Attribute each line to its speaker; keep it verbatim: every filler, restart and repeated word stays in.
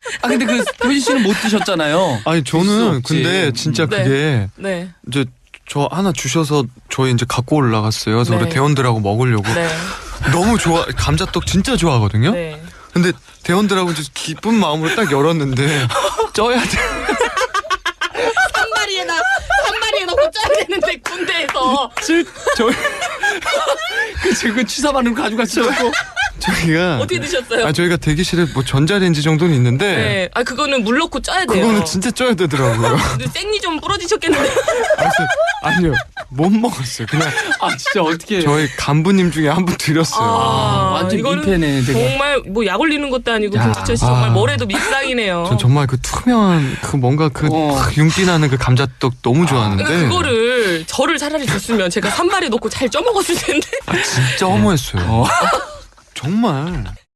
Speaker 1: 아 근데 그 효진 씨는 못 드셨잖아요.
Speaker 2: 아니
Speaker 1: 드실 수
Speaker 2: 저는
Speaker 1: 없지.
Speaker 2: 근데 진짜
Speaker 3: 네.
Speaker 2: 그게
Speaker 3: 네.
Speaker 2: 이제 저 하나 주셔서 저희 이제 갖고 올라갔어요. 그래서
Speaker 3: 네.
Speaker 2: 우리 대원들하고 먹으려고
Speaker 3: 네.
Speaker 2: 너무 좋아 감자떡 진짜 좋아하거든요.
Speaker 3: 네.
Speaker 2: 근데 대원들하고 이제 기쁜 마음으로 딱 열었는데 쪄야 돼.
Speaker 3: 한 마리에다 한 마리에 넣고 짜야 되는데 군대에서
Speaker 1: 즉 저희 그 지금 취사반으로 가져가시고
Speaker 2: 저희가
Speaker 3: 어떻게 드셨어요?
Speaker 2: 아 저희가 대기실에 뭐 전자레인지 정도는 있는데
Speaker 3: 네. 아 그거는 물 넣고 짜야 돼요.
Speaker 2: 그거는 진짜 쪄야 되더라고요.
Speaker 3: 근데 생리 좀 부러지셨겠는데.
Speaker 2: 그래서 아니요 못 먹었어요. 그냥
Speaker 1: 아 진짜 어떻게
Speaker 2: 저희 간부님 중에 한 분 드렸어요.
Speaker 1: 아, 완전
Speaker 3: 이거는
Speaker 1: 민폐네, 되게.
Speaker 3: 정말 뭐 약 올리는 것도 아니고
Speaker 1: 야,
Speaker 3: 김주철 씨 정말
Speaker 2: 아.
Speaker 3: 뭐래도 밉상이네요.
Speaker 2: 전 정말 그 투명한 그 뭔가 그
Speaker 1: 어.
Speaker 2: 막 윤기 나는 그 감자떡 너무 좋아하는데
Speaker 3: 그러니까 그거를 저를 차라리 줬으면 제가 산발에 넣고 잘 쪄먹었을 텐데.
Speaker 2: 진짜 허무했어요.
Speaker 1: 어.
Speaker 2: 정말.